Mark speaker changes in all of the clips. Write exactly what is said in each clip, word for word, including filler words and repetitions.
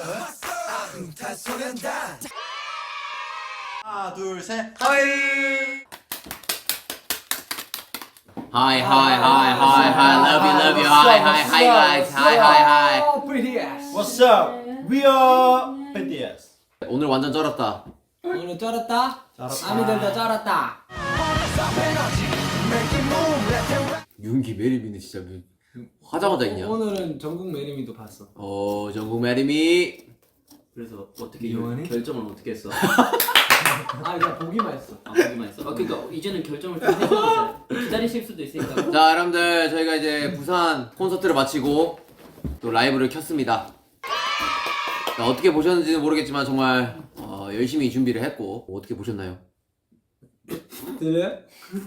Speaker 1: 하나 둘 셋.
Speaker 2: 하이.
Speaker 3: Hi, hi, hi, hi, hi, love you, love you, hi, hi, hi, guys, hi, hi, hi.
Speaker 1: What's up? We are 비티에스.
Speaker 3: 오늘 완전 쩔었다.
Speaker 2: 오늘 쩔었다.
Speaker 1: 쩔었다.
Speaker 2: 아미들도 쩔었다.
Speaker 3: 윤기 메리미는 진짜 뭐 하자마자 있냐?
Speaker 2: 오늘은 전국 매림이도 봤어.
Speaker 3: 어, 전국 메리미.
Speaker 4: 그래서 어떻게
Speaker 2: 이용하니?
Speaker 4: 결정을 어떻게 했어?
Speaker 2: 아 그냥 보기만 했어.
Speaker 4: 아 보기만 했어? 아 그러니까 이제는 결정을 좀 해줘야 돼. 기다리실 수도 있으니까.
Speaker 3: 자, 여러분들 저희가 이제 부산 콘서트를 마치고 또 라이브를 켰습니다. 자, 어떻게 보셨는지는 모르겠지만 정말 어, 열심히 준비를 했고 어떻게 보셨나요?
Speaker 2: 들려?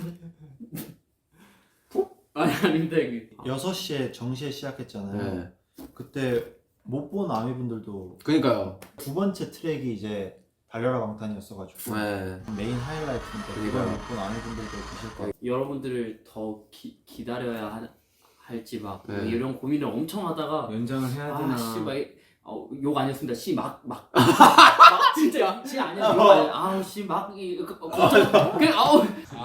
Speaker 4: 아니 아닙니다 이게.
Speaker 1: 여섯 시에 정시에 시작했잖아요.
Speaker 3: 네.
Speaker 1: 그때 못 본 아미분들도
Speaker 3: 그니까요.
Speaker 1: 두 번째 트랙이 이제 달려라 방탄이었어가지고
Speaker 3: 네.
Speaker 1: 메인 하이라이트인데 그걸
Speaker 3: 그러니까요.
Speaker 1: 못 본 아미분들도 계실 거예요.
Speaker 4: 여러분들을 더 기, 기다려야 하, 할지 막
Speaker 3: 네.
Speaker 4: 이런 고민을 엄청 하다가
Speaker 2: 연장을 해야 되나?
Speaker 4: 아씨막욕 아니었습니다. 씨 막 막 막 진짜 씨 아니야 욕 아니야. 아우 씨막 걱정 그 아우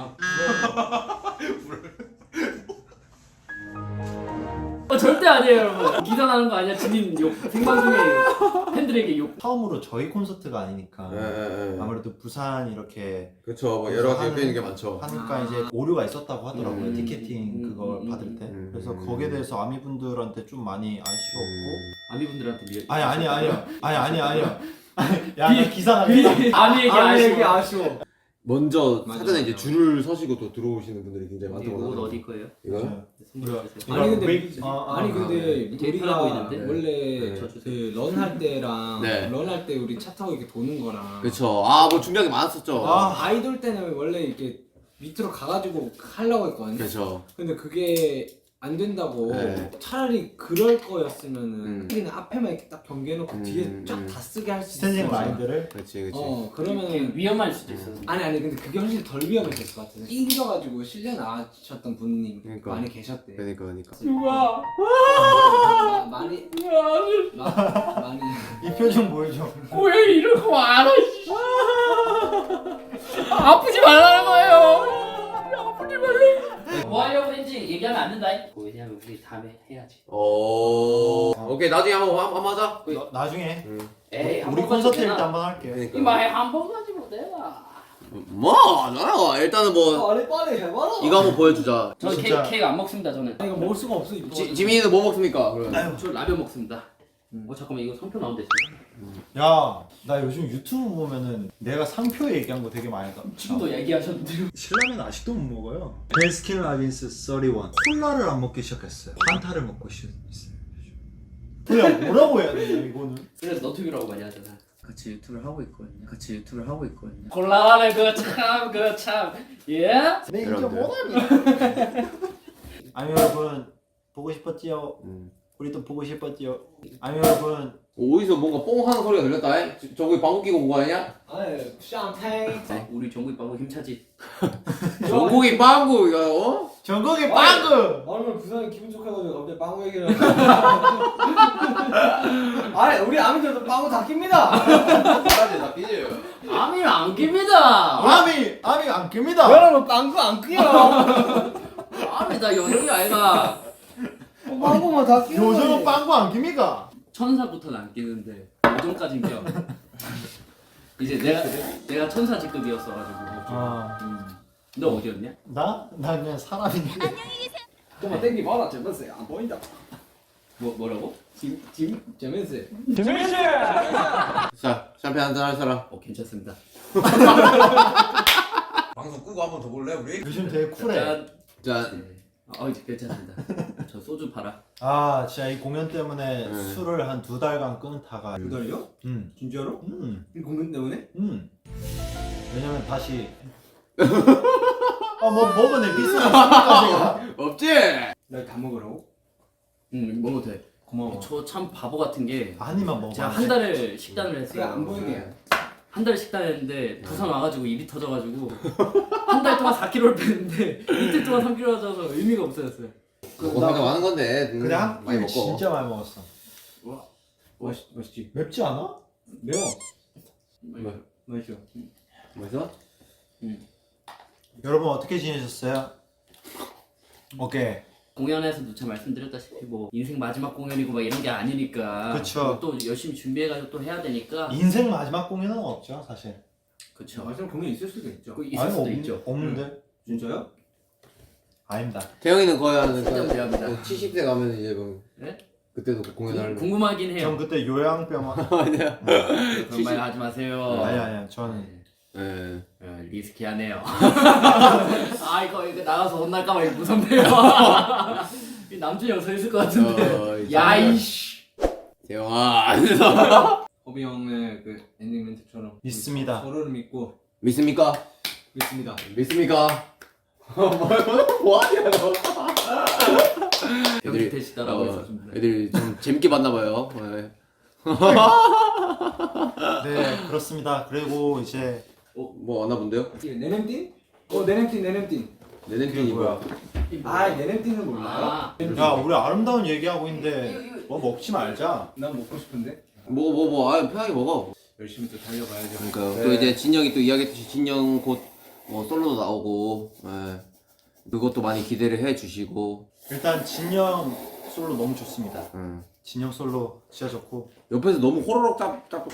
Speaker 4: 어, 절대 아니에요 여러분. 기사 나는 거 아니야. 진인 욕 생방송에 팬들에게 욕.
Speaker 1: 처음으로 저희 콘서트가 아니니까
Speaker 3: 네, 네, 네.
Speaker 1: 아무래도 부산 이렇게
Speaker 3: 그쵸, 뭐 여러 가지 엮여 있는 게 많죠.
Speaker 1: 하니까
Speaker 4: 아.
Speaker 1: 이제 오류가 있었다고 하더라고요.
Speaker 3: 음,
Speaker 1: 티켓팅
Speaker 4: 음,
Speaker 1: 그걸
Speaker 4: 음,
Speaker 1: 받을
Speaker 4: 음,
Speaker 1: 때.
Speaker 3: 음,
Speaker 1: 그래서
Speaker 3: 음.
Speaker 1: 거기에 대해서 아미분들한테 좀 많이 아쉬웠고.
Speaker 4: 아미분들한테 미안.
Speaker 1: 아니 아니 아니요. 아니 아니 아니요. 야, 나 기사 나 기사.
Speaker 4: 아미에게
Speaker 2: 아미에게
Speaker 4: 아쉬워.
Speaker 2: 아쉬워.
Speaker 3: 먼저
Speaker 2: 맞아,
Speaker 3: 사전에
Speaker 2: 맞아.
Speaker 3: 이제 줄을 서시고 또 들어오시는 분들이 굉장히
Speaker 4: 이거
Speaker 3: 많다고
Speaker 4: 옷 어디 거예요?
Speaker 3: 이거요?
Speaker 4: 선물해 주세요.
Speaker 2: 아니 근데
Speaker 1: 웨이- 아, 아,
Speaker 2: 아니
Speaker 1: 아,
Speaker 2: 근데
Speaker 4: 네. 되게
Speaker 2: 우리가
Speaker 4: 편해 보이는데?
Speaker 2: 원래
Speaker 3: 네.
Speaker 4: 저 주세요.
Speaker 2: 그 런 할 때랑
Speaker 3: 네.
Speaker 2: 런 할 때 우리 차 타고 이렇게 도는 거랑
Speaker 3: 그쵸. 아, 뭐 준비한 게 많았었죠.
Speaker 1: 아.
Speaker 2: 아이돌 때는 원래 이렇게 밑으로 가가지고 하려고 했거든요.
Speaker 3: 그쵸.
Speaker 2: 근데 그게 안 된다고
Speaker 3: 네.
Speaker 2: 차라리 그럴 거였으면은
Speaker 3: 음.
Speaker 2: 우리는 앞에만 이렇게 딱 경계해놓고
Speaker 3: 음,
Speaker 2: 뒤에
Speaker 3: 음.
Speaker 2: 쫙 다 쓰게 할 수 있어.
Speaker 1: 스탠딩 라인들을
Speaker 3: 그렇지, 그렇지.
Speaker 2: 어
Speaker 4: 이게
Speaker 2: 그러면은
Speaker 4: 위험할 수도 있어.
Speaker 2: 아니 아니 근데 그게 훨씬 덜 위험했을 것 같아요. 낑겨가지고 실려 나가셨던 분님
Speaker 3: 그러니까.
Speaker 2: 많이 계셨대.
Speaker 3: 그러니까, 그러니까.
Speaker 4: 누가?
Speaker 2: 마- 많이 마- 많이
Speaker 1: 이 표정 보여줘.
Speaker 4: 왜 이러고 말아? 아프지 말라는 거예요. 아프지 말라. 뭐 하려고 했는지 얘기하면 안 된다. 왜냐면 우리 다음에 해야지.
Speaker 3: 오. 오케이, 나중에 한번 한- 한번 하자.
Speaker 1: 나, 나중에
Speaker 3: 응.
Speaker 4: 에이 한
Speaker 1: 우리
Speaker 4: 번
Speaker 1: 콘서트
Speaker 4: 가지고
Speaker 1: 일 때
Speaker 4: 되나?
Speaker 1: 한번 할게요.
Speaker 3: 그러니까.
Speaker 4: 이마에 한번 가지고 내가.
Speaker 3: 뭐, 나요. 일단은 뭐
Speaker 2: 빨리 빨리 해봐라.
Speaker 3: 이거 한번 보여주자.
Speaker 4: 저는
Speaker 1: 진짜.
Speaker 4: 케이크, 케이크 안 먹습니다. 저는.
Speaker 2: 아, 이거 먹을 수가 없어 이거.
Speaker 3: 지, 지민이는 뭐 먹습니까? 그러면.
Speaker 4: 저 라면 먹습니다. 어 잠깐만 이거 성표 나온대.
Speaker 1: 야, 나 요즘 유튜브 보면은 내가 상표 얘기한 거 되게 많이 나.
Speaker 4: 지금도 얘기하셨는데요.
Speaker 1: 신라면 아직도 못 먹어요. 베스킨 라빈스 삼십일. 콜라를 안 먹기 시작했어요. 판타를 먹고 있어요. 그냥 뭐라고 해야 되냐 이거는.
Speaker 4: 그래서 너튜브라고 많이 하잖아.
Speaker 5: 같이 유튜브를 하고 있거든요. 같이 유튜브를 하고 있거든요.
Speaker 4: 곤란하네 그참그참 예?
Speaker 1: 내 인정
Speaker 3: 여러분들.
Speaker 1: 못하니. 아니 여러분 보고 싶었지요.
Speaker 3: 음.
Speaker 1: 우리도 보고 싶었지요. 아니 여러분
Speaker 3: 어디서 뭔가 뽕 하는 소리가 들렸다. 에? 저- 저기 방귀 끼고 온 거 아니냐?
Speaker 2: 아니 샴페인.
Speaker 4: 어, 우리 종국이 빵구 힘차지.
Speaker 3: 전국이 빵구, 이거, 어?
Speaker 1: 전국의 빵구.
Speaker 2: 오늘 부산이 기분 좋아가지고 갑자기 빵구 얘기를. 아니 우리 아미들도 빵구 다 낍니다.
Speaker 3: 까지 다 삐져요.
Speaker 4: 아미는 안 깁니다.
Speaker 1: 아미 아미 안 깁니다.
Speaker 2: 여러분 빵구 안 끼요.
Speaker 4: 아미 다 연예인 아이가.
Speaker 2: 빵구만 다 끼요.
Speaker 1: 요즘은 빵구 안 깁니까?
Speaker 4: 천사부터는 안 끼는데 요즘까진 껴. 이제 내가 내가 천사 직급이었어가지고.
Speaker 1: 아,
Speaker 4: 음. 너 어디였냐?
Speaker 1: 나? 나 그냥 사람인데.
Speaker 2: 좀만 땡기 봐라 재밌어. 안 보인다.
Speaker 4: 뭐 뭐라고?
Speaker 2: 짐짐 재밌어.
Speaker 3: 자, 샴페인 한잔 할 사람.
Speaker 4: 어 괜찮습니다.
Speaker 6: 방송 끄고 한번 더 볼래 우리?
Speaker 1: 요즘 되게 쿨해.
Speaker 4: 짠.
Speaker 3: 자,
Speaker 4: 네. 어 이제 괜찮습니다. 저 소주 팔아.
Speaker 1: 아, 진짜 이 공연 때문에
Speaker 3: 네.
Speaker 1: 술을 한 두 달간 끊다가.
Speaker 2: 두 달이요?
Speaker 1: 응,
Speaker 2: 진짜로?
Speaker 1: 응,
Speaker 2: 이 공연 때문에?
Speaker 1: 응. 왜냐면 다시. 아, 뭐 먹은 에피소드 있으니까
Speaker 3: 없지?
Speaker 2: 나 다 먹으라고?
Speaker 4: 응 먹어도 돼.
Speaker 2: 고마워.
Speaker 4: 저 참 바보 같은 게
Speaker 1: 아니만 먹어.
Speaker 4: 제가 한 달을 식단을 했어요.
Speaker 2: 그래 안 보이게.
Speaker 4: 한 달 식단했는데 부산 와가지고 입이 터져가지고 한 달 동안 사 킬로그램를 뺐는데 이틀 동안 삼 킬로그램 쪄서 의미가 없어졌어요.
Speaker 3: 먹고 살까 많은 건데. 음,
Speaker 1: 근데 한
Speaker 3: 많이
Speaker 1: 끼
Speaker 3: 먹고.
Speaker 1: 진짜 많이 먹었어.
Speaker 4: 와,
Speaker 2: 맛있 맛있지.
Speaker 1: 맵지 않아?
Speaker 2: 매워.
Speaker 3: 뭐,
Speaker 2: 맛있어.
Speaker 3: 맛있어?
Speaker 1: 여러분 어떻게 지내셨어요? 오케이.
Speaker 4: 공연에서도 제가 말씀드렸다시피 뭐 인생 마지막 공연이고 막 이런 게 아니니까
Speaker 1: 그쵸.
Speaker 4: 또 열심히 준비해가지고 또 해야 되니까
Speaker 1: 인생 마지막 공연은 없죠 사실.
Speaker 4: 그쵸.
Speaker 2: 마지막 공연 있을 수도 있죠.
Speaker 4: 그 있을 수도
Speaker 1: 없,
Speaker 4: 있죠.
Speaker 1: 없는데?
Speaker 2: 진짜요?
Speaker 1: 아닙니다.
Speaker 3: 태영이는 거의 한
Speaker 4: 진짜 미안합니다.
Speaker 3: 뭐 칠십 대 가면 이제 뭐
Speaker 4: 네?
Speaker 3: 그때도 공연할.
Speaker 4: 궁금하긴 해요.
Speaker 1: 전 그때 요양병
Speaker 3: 아니야.
Speaker 4: 그런 말 하지 마세요.
Speaker 1: 아니 아니야 저는
Speaker 3: 예.
Speaker 4: 어, 리스키하네요. 아 이거 이거 나가서 혼날까봐 이거 무섭네요. 이 남준이 형 서 있을 것 같은데.
Speaker 3: 어,
Speaker 4: 야이씨.
Speaker 3: 태영아.
Speaker 2: 허비 형의 그 엔딩 멘트처럼
Speaker 1: 믿습니다.
Speaker 2: 서로를 믿고
Speaker 3: 믿습니까?
Speaker 2: 믿습니다.
Speaker 3: 믿습니까? 뭐하냐 너?
Speaker 4: 여기 되시더라고요.
Speaker 3: 어, 애들이 좀 재밌게 봤나봐요. 네.
Speaker 1: 네 그렇습니다. 그리고 이제
Speaker 3: 뭐 왔나 본데요?
Speaker 2: 네냄띵? 어 네냄띵 네냄띵.
Speaker 3: 내 냄새이 뭐야?
Speaker 2: 아 네냄띵은 몰라요?
Speaker 4: 아,
Speaker 1: 야 우리 아름다운 얘기하고 있는데 뭐 먹지 말자.
Speaker 2: 난 먹고 싶은데.
Speaker 3: 뭐 뭐 뭐 아 편하게 먹어.
Speaker 2: 열심히 또 달려봐야죠.
Speaker 3: 그러니까요.
Speaker 1: 네.
Speaker 3: 또 이제 진영이 또 이야기했듯이 진영 곧 뭐 솔로도 나오고, 예. 그것도 많이 기대를 해주시고.
Speaker 1: 일단 진영 솔로 너무 좋습니다.
Speaker 3: 예.
Speaker 1: 진영 솔로 진짜 좋고.
Speaker 3: 옆에서 너무 호로록 짭 짭.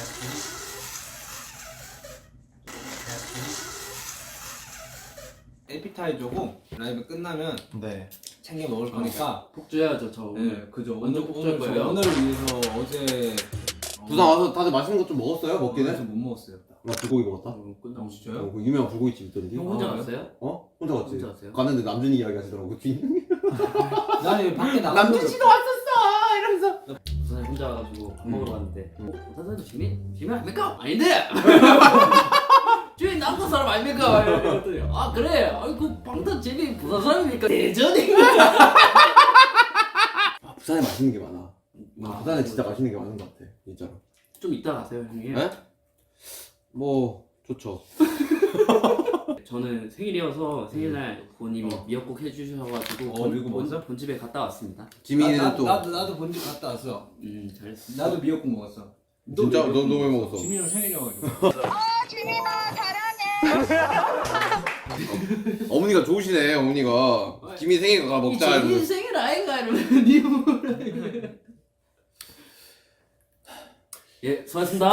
Speaker 2: 에피타이저고 라이브 끝나면
Speaker 1: 네.
Speaker 2: 챙겨 먹을 거니까.
Speaker 4: 복 줘야죠 저 오늘.
Speaker 2: 네, 그죠.
Speaker 4: 완전
Speaker 2: 오늘
Speaker 4: 복줄
Speaker 2: 오늘 저
Speaker 4: 거예요.
Speaker 2: 오늘을 위해서 어제
Speaker 3: 부산 와서 다들 맛있는 거 좀 먹었어요? 먹기는?
Speaker 2: 그래서 못 먹었어요.
Speaker 3: 나 불고기 먹었다.
Speaker 4: 어, 끝나고.
Speaker 2: 어, 진짜요?
Speaker 3: 어, 그 유명한 불고기집 있던데.
Speaker 4: 형 혼자
Speaker 2: 아,
Speaker 4: 갔어요?
Speaker 3: 어? 혼자 갔지.
Speaker 4: 혼자 갔어요?
Speaker 3: 갔는데 남준이 이야기 하시더라고. 뒤.
Speaker 2: 나는 밖에 나가.
Speaker 3: 남준 씨도 왔었어 이러면서.
Speaker 4: 부산에 혼자 가가지고 밥 먹으러
Speaker 3: 음.
Speaker 4: 갔는데 어? 부산에도 지민? 지민 아닙니까? 아닌데! 주인 남산 사람 아닙니까? 이랬더니 아 그래! 아이 그 방탄 재민 부산 사람이니까 대전이
Speaker 3: 아, 부산에 맛있는 게 많아.
Speaker 4: 아,
Speaker 3: 부산에 진짜 맛있는 게 많은 것 같아. 진짜로.
Speaker 4: 좀 이따 가세요 형님.
Speaker 3: 네? 뭐 좋죠.
Speaker 4: 저는 생일이어서 생일날 부모님이 미역국 해주셔가지고
Speaker 2: 어, 미국
Speaker 4: 본,
Speaker 2: 먹었어?
Speaker 4: 본집에 갔다 왔습니다.
Speaker 3: 지민이는
Speaker 2: 나,
Speaker 3: 또
Speaker 2: 나도 나도 본집 갔다 왔어.
Speaker 4: 음 잘했어.
Speaker 2: 나도 미역국 먹었어.
Speaker 3: 진짜 너 너 왜 먹었어?
Speaker 2: 지민이 형 생일이어가지고.
Speaker 3: 어머니가 좋으시네. 어머니가 지민 생일 가 먹자.
Speaker 4: 재민
Speaker 3: 이러면서.
Speaker 4: 생일 아이가 이러면서 니 뭐라 예 수고하셨습니다.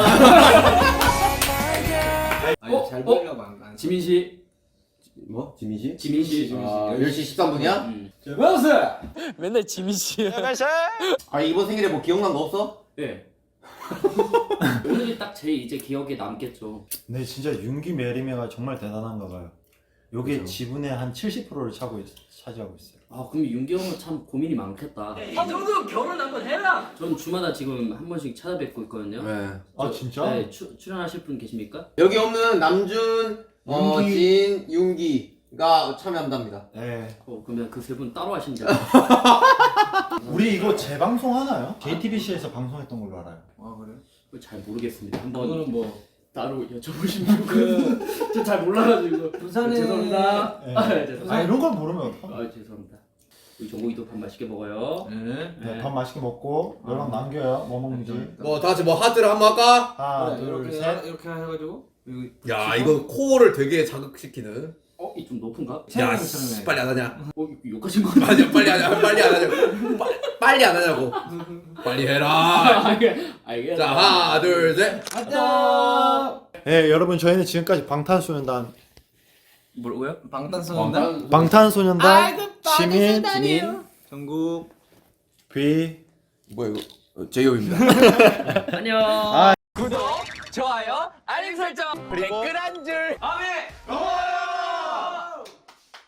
Speaker 2: 아니
Speaker 4: 어?
Speaker 2: 잘
Speaker 4: 어?
Speaker 2: 보이려고 안 안.
Speaker 4: 지민 씨,
Speaker 3: 뭐? 지민 씨?
Speaker 4: 지민 씨,
Speaker 3: 아, 열 시 십삼 분이야?
Speaker 4: 음.
Speaker 2: 먹었어.
Speaker 4: 맨날 지민 씨.
Speaker 3: 아 이번 생일에 뭐 기억난 거 없어?
Speaker 4: 네. 오늘이 딱 제 이제 기억에 남겠죠.
Speaker 1: 네 진짜 윤기 메리메가 정말 대단한가 봐요. 요게
Speaker 3: 그죠.
Speaker 1: 지분의 한 칠십 퍼센트를 차고 있, 차지하고 있어요.
Speaker 4: 아 그럼 윤기 형은 참 고민이 많겠다. 형도 결혼 한번 해라. 전 주마다 지금 한 번씩 찾아뵙고 있거든요.
Speaker 3: 네.
Speaker 1: 아 진짜?
Speaker 4: 네, 추, 출연하실 분 계십니까?
Speaker 3: 여기 없는 남준, 어,
Speaker 1: 윤기.
Speaker 3: 진, 윤기가 참여한답니다.
Speaker 1: 네.
Speaker 4: 어 그러면 그 세 분 따로 하신대요.
Speaker 1: 우리 이거 재방송 하나요? 제이티비씨에서 방송했던 걸로 알아요.
Speaker 2: 아 그래?
Speaker 4: 잘 모르겠습니다. 한번
Speaker 2: 그거는 뭐
Speaker 4: 따로 여쭤보시면 그... 저 잘 몰라가지고
Speaker 2: 부산에
Speaker 4: 죄송합니다.
Speaker 1: 네.
Speaker 4: 아, 네, 죄송합니다.
Speaker 1: 아 이런 걸 모르면 어떡하-
Speaker 4: 아 죄송합니다. 우리 정국이도 밥 맛있게 먹어요.
Speaker 2: 네.
Speaker 1: 네, 밥 맛있게 먹고 너랑 남겨요. 뭐 먹는지.
Speaker 3: 뭐 다 같이 뭐 하트를 한번 할까?
Speaker 1: 하나
Speaker 2: 그래, 이렇게
Speaker 1: 둘
Speaker 2: 해-
Speaker 1: 셋.
Speaker 2: 이렇게 해가지고 여기
Speaker 3: 야 이거 코어를 되게 자극시키는.
Speaker 4: 어? 이 좀 높은가?
Speaker 2: 야,
Speaker 3: 씨, 빨리 안 하냐?
Speaker 4: 어? 이거 욕하신 거 같아.
Speaker 3: 아니 빨리 하냐? 빨리 안 하냐고. 빠, 빨리 안 하냐고. 빨리 해라.
Speaker 4: 알겠어.
Speaker 3: 자 하나 둘 셋.
Speaker 2: 가자.
Speaker 1: 네 여러분 저희는 지금까지 방탄소년단
Speaker 4: 뭐라고요?
Speaker 2: 방탄소년단
Speaker 1: 방탄소년단 지민
Speaker 3: 지민.
Speaker 2: 전국
Speaker 1: 비
Speaker 3: 뭐야 이거? 어, 제이홉입니다.
Speaker 4: 안녕.
Speaker 1: 아.
Speaker 7: 구독, 좋아요, 알림 설정, 댓글 한 줄. 아멘.